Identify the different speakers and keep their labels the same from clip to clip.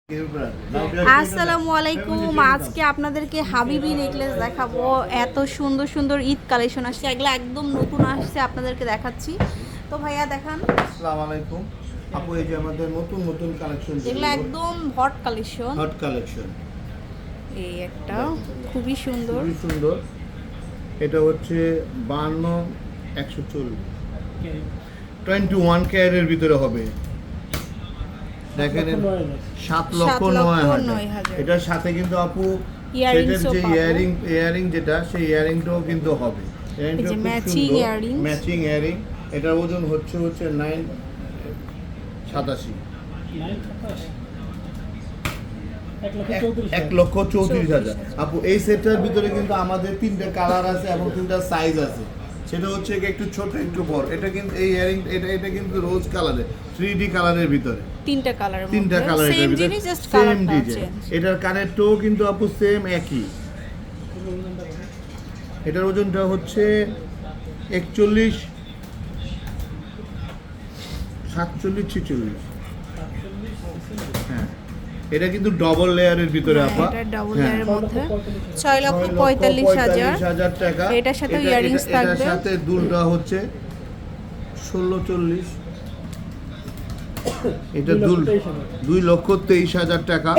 Speaker 1: আসসালামু আলাইকুম। আজকে আপনাদেরকে হাবিবি নেকলেস দেখাবো। এত সুন্দর সুন্দর ঈদ কালেকশন আসছে, এগুলো একদম নতুন আসছে, আপনাদেরকে দেখাচ্ছি। তো ভাইয়া দেখান।
Speaker 2: আসসালামু আলাইকুম আপু, এই যে আমাদের নতুন নতুন কালেকশন,
Speaker 1: এগুলো একদম হট কালেকশন।
Speaker 2: হট কালেকশন,
Speaker 1: এই একটা খুবই সুন্দর,
Speaker 2: খুবই সুন্দর। এটা হচ্ছে 52 140 21 ক্যারেটের ভিতরে হবে। দেখেন 7,09,000। এটার সাথে কিন্তু আপু সেটার যে ইয়ারিং যেটা, সেই ইয়ারিংটাও কিন্তু হবে। ইয়ারিংটা খুব সুন্দর, ম্যাচিং ইয়ারিং। এটার ওজন হচ্ছে 987, 1,34,000। আপু এই সেটটার ভিতরে কিন্তু আমাদের 3টা কালার আছে এবং 3টা সাইজ আছে। সেটা হচ্ছে একটু ছোট একটু বড়। এটা কিন্তু এই ইয়ারিং এটা কিন্তু রোজ কালারে 3D কালারের ভিতরে,
Speaker 1: 3টা কালারের
Speaker 2: সেম
Speaker 1: জিনিস, জাস্ট কালারটা চেঞ্জ।
Speaker 2: এটার কানেরটাও কিন্তু আপু সেম একই। এটার ওজনটা হচ্ছে 41 47 46। হ্যাঁ, এটা কিন্তু ডবল লেয়ারের ভিতরে আপা।
Speaker 1: এটা ডবল লেয়ারের মধ্যে 6,45,000
Speaker 2: টাকা।
Speaker 1: এটার সাথে ইয়ারিংস থাকবে।
Speaker 2: এটার সাথে দুলটা হচ্ছে 1640। এটা দুল 2,23,000 টাকা।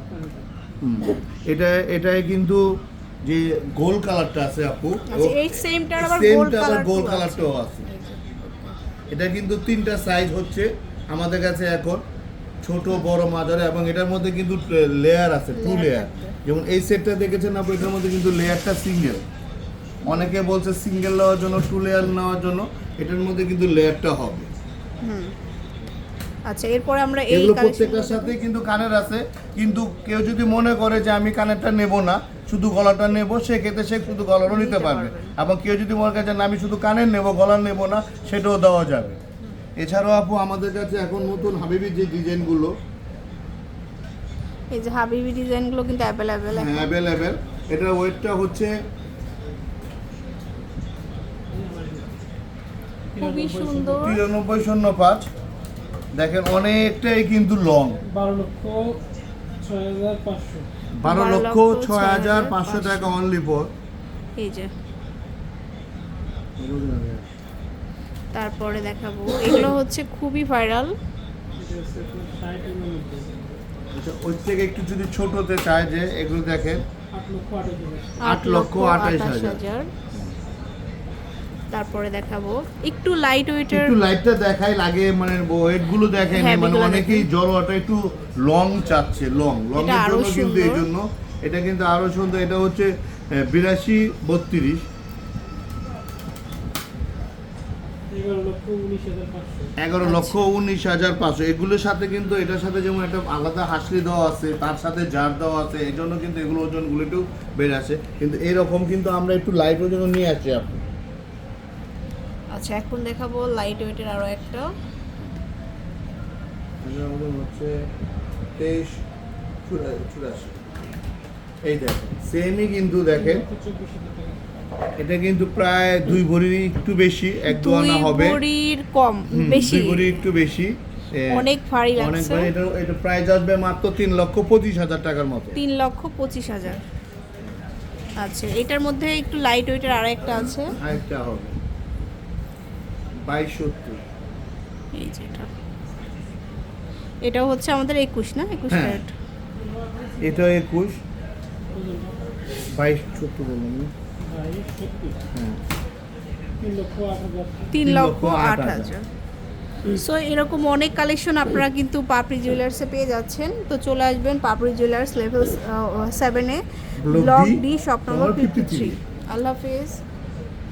Speaker 2: এটাই কিন্তু যে গোল কালারটা আছে আপু,
Speaker 1: এই সেমটার আবার গোল
Speaker 2: কালারটাও আছে। এটা কিন্তু 3টা সাইজ হচ্ছে আমাদের কাছে এখন, ছোট বড় মাঝারি, এবং এটার মধ্যে কিন্তু লেয়ার আছে, 2 লেয়ার। যেমন এই সেটটা দেখেছেন আপু, এটার মধ্যে কিন্তু লেয়ারটা সিঙ্গেল। অনেকে বলছে সিঙ্গেল নেওয়ার জন্য, 2 লেয়ার নেওয়ার জন্য, এটার মধ্যে কিন্তু লেয়ারটা হবে।
Speaker 1: আচ্ছা, এরপরে আমরা এই
Speaker 2: এগুলো প্রত্যেকটার সাথে কিন্তু কানের আছে। কিন্তু কেউ যদি মনে করে যে আমি কানেরটা নেব না, শুধু গলাটা নেব, সেক্ষেত্রে সে শুধু গলারও নিতে পারবে। এবং কেউ যদি মনে করে যে না আমি শুধু কানের নেব, গলার নেব না, সেটাও দেওয়া যাবে। এছাড়াও আপু আমাদের কাছে এখন নতুন হাবিবির যে ডিজাইনগুলো,
Speaker 1: এই যে হাবিবি ডিজাইনগুলো কিন্তু অ্যাভেলেবেল।
Speaker 2: হ্যাঁ, অ্যাভেলেবেল। এটার ওয়েটটা হচ্ছে
Speaker 1: খুবই সুন্দর,
Speaker 2: 9305। দেখেন অনেকটাই কিন্তু লং। 12,06,500 টাকা অনলি ফর।
Speaker 1: এই যে তারপরে দেখাবো, এগুলো হচ্ছে খুবই ভাইরাল।
Speaker 2: ওই থেকে একটু যদি ছোট হতে চায়, যে এগুলো দেখেন 8,28,000।
Speaker 1: তারপরে দেখাবো একটু লাইট ওয়েটের,
Speaker 2: একটু লাইটটা দেখাই লাগে, মানে ওয়েট গুলো দেখেন, মানে অনেকেই জড়োয়াটা একটু লং চাচ্ছে, লং এর জন্য কিন্তু এই জন্য এটা কিন্তু আরো সুন্দর। এটা হচ্ছে 82 32, 11,19,500। এগুলোর সাথে কিন্তু এটার সাথে যেমন একটা আলাদা হাসলি দেওয়া আছে, তার সাথে জার দেওয়া আছে, এই জন্য কিন্তু এগুলো ওজনগুলো একটু বেড়ে আসে। কিন্তু এরকম কিন্তু আমরা একটু লাইট ওজন নিয়ে আসছি আপনি।
Speaker 1: আচ্ছা, এখন দেখাবো লাইট ওয়েটের আরো একটা।
Speaker 2: হচ্ছে 23,84। এই দেখেন সেমই কিন্তু দেখেন, এটা কিন্তু প্রায় 2 ভরির একটু বেশি, 1-2 আনা হবে,
Speaker 1: 2 ভরির কম বেশি,
Speaker 2: 2 ভরির একটু বেশি,
Speaker 1: অনেক ভারী লাগছে।
Speaker 2: এটা প্রাইস আসবে মাত্র 3,25,000 টাকার মতো।
Speaker 1: 3,25,000। আচ্ছা, এটার মধ্যে একটু লাইট ওয়েটের আরো একটা আছে,
Speaker 2: আরেকটা হবে 2270।
Speaker 1: এই যে এটাও হচ্ছে আমাদের 21 না, 21 ক্যারেট।
Speaker 2: এটা 21 2270 বলুন। হ্যাঁ,
Speaker 1: 3,08,000। সো এরকম অনেক কালেকশন আপনারা কিন্তু পাপড়ি জুয়েলার্সে পেয়ে যাচ্ছেন। তো চলে আসবেন পাপড়ি জুয়েলার্স লেভেল 7-এ, ব্লক ডি, শপ নম্বর 53। আল্লাহ হাফেজ।